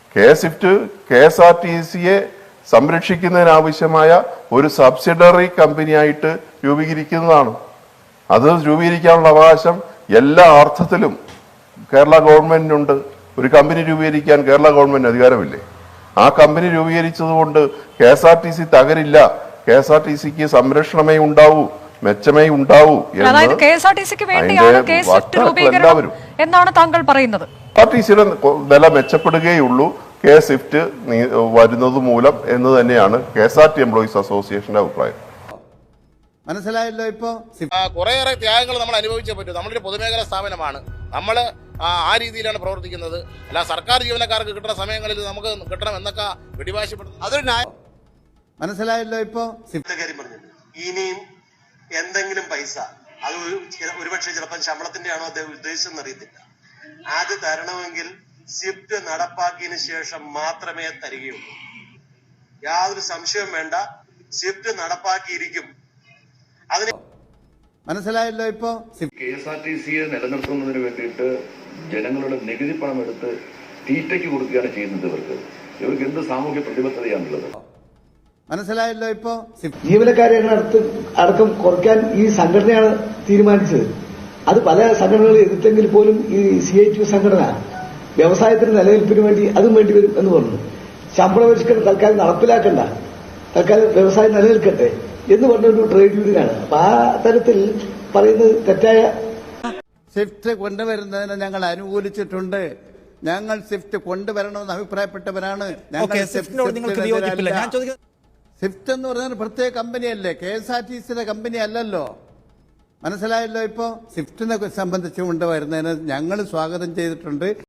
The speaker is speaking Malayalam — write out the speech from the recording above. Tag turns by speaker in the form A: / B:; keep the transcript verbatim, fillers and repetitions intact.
A: K Swift K S R T സിയെ സംരക്ഷിക്കുന്നതിനാവശ്യമായ ഒരു സബ്സിഡറി കമ്പനിയായിട്ട് രൂപീകരിക്കുന്നതാണ്. അത് രൂപീകരിക്കാനുള്ള അവകാശം എല്ലാ അർത്ഥത്തിലും കേരള ഗവൺമെന്റിനുണ്ട്. ഒരു കമ്പനി രൂപീകരിക്കാൻ കേരള ഗവൺമെന്റ് അധികാരമില്ലേ? ആ കമ്പനി രൂപീകരിച്ചത് കൊണ്ട് K S R T C തകരില്ല. കെ എസ് ആർ ടി സിക്ക് സംരക്ഷണമേ ഉണ്ടാവൂ, മെച്ചമേ ഉണ്ടാവൂ
B: എന്നാണ് താങ്കൾ പറയുന്നത്.
A: കെ എസ് ആർ ടി സിയുടെ വില മെച്ചപ്പെടുകയുള്ളൂ കെ സ്വിഫ്റ്റ് വരുന്നത് മൂലം എന്ന് തന്നെയാണ് K S R T employees അസോസിയേഷന്റെ അഭിപ്രായം.
C: മനസ്സിലായല്ലോ. ഇപ്പോ
D: കുറേയേറെ ത്യാഗങ്ങൾ നമ്മൾ അനുഭവിച്ചേ പറ്റൂ. നമ്മളൊരു പൊതുമേഖലാ സ്ഥാപനമാണ്, നമ്മൾ ആ രീതിയിലാണ് പ്രവർത്തിക്കുന്നത്. അല്ല സർക്കാർ ജീവനക്കാർക്ക് കിട്ടുന്ന സമയങ്ങളിൽ നമുക്ക് കിട്ടണം എന്നൊക്കെ പിടിവാശിപ്പെടുന്നു. അതൊരു ന്യായം.
C: മനസ്സിലായല്ലോ. ഇപ്പോ
E: ഇനിയും എന്തെങ്കിലും പൈസ അത് ഒരുപക്ഷെ ചിലപ്പോൾ ശമ്പളത്തിന്റെ ആണോ അദ്ദേഹം ഉദ്ദേശിച്ചെന്ന് അറിയത്തില്ല, അത് തരണമെങ്കിൽ സ്വിഫ്റ്റ് നടപ്പാക്കിയതിനു ശേഷം മാത്രമേ തരികയുള്ളൂ. യാതൊരു സംശയവും വേണ്ട, സ്വിഫ്റ്റ് നടപ്പാക്കിയിരിക്കും. അതിന്
C: മനസ്സിലായല്ലോ. ഇപ്പോ
F: കെ എസ് ആർ ടി സിയെ നിലനിർത്തുന്നതിന് വേണ്ടിയിട്ട് ജനങ്ങളുടെ നികുതി പണം എടുത്ത് തീറ്റയ്ക്ക് കൊടുക്കുകയാണ് ചെയ്യുന്നത്. ഇവർക്ക് ഇവർക്ക് എന്ത് സാമൂഹ്യ പ്രതിബദ്ധതയാണുള്ളത്?
C: മനസ്സിലായല്ലോ. ഇപ്പോ
G: ജീവനക്കാരെ അടുത്ത് അടക്കം കുറയ്ക്കാൻ ഈ സംഘടനയാണ് തീരുമാനിച്ചത്. അത് പല സംഘടനകളും എതിർത്തെങ്കിൽ പോലും ഈ സി ഐ ടി യു സംഘടന വ്യവസായത്തിന് നിലനിൽപ്പിന് വേണ്ടി അതും വേണ്ടി വരും എന്ന് പറഞ്ഞു. ശമ്പള പരിഷ്കരണം തൽക്കാലം നടപ്പിലാക്കണ്ട, തൽക്കാലം വ്യവസായം നിലനിൽക്കട്ടെ എന്ന് പറഞ്ഞൊരു ട്രേഡ് യൂണിയനാണ്. അപ്പൊ ആ തരത്തിൽ പറയുന്നത് തെറ്റായ.
C: സ്വിഫ്റ്റ് കൊണ്ടുവരുന്നതിന് ഞങ്ങൾ അനുകൂലിച്ചിട്ടുണ്ട്. ഞങ്ങൾ സ്വിഫ്റ്റ് കൊണ്ടുവരണമെന്ന് അഭിപ്രായപ്പെട്ടവരാണ്. സ്വിഫ്റ്റ് എന്ന് പറഞ്ഞാൽ പ്രത്യേക കമ്പനിയല്ലേ, കെ എസ് ആർ ടി സിയുടെ കമ്പനി അല്ലല്ലോ. മനസ്സിലായല്ലോ. ഇപ്പോ സ്വിഫ്റ്റിനെ സംബന്ധിച്ച് കൊണ്ടുവരുന്നതിന് ഞങ്ങൾ സ്വാഗതം ചെയ്തിട്ടുണ്ട്.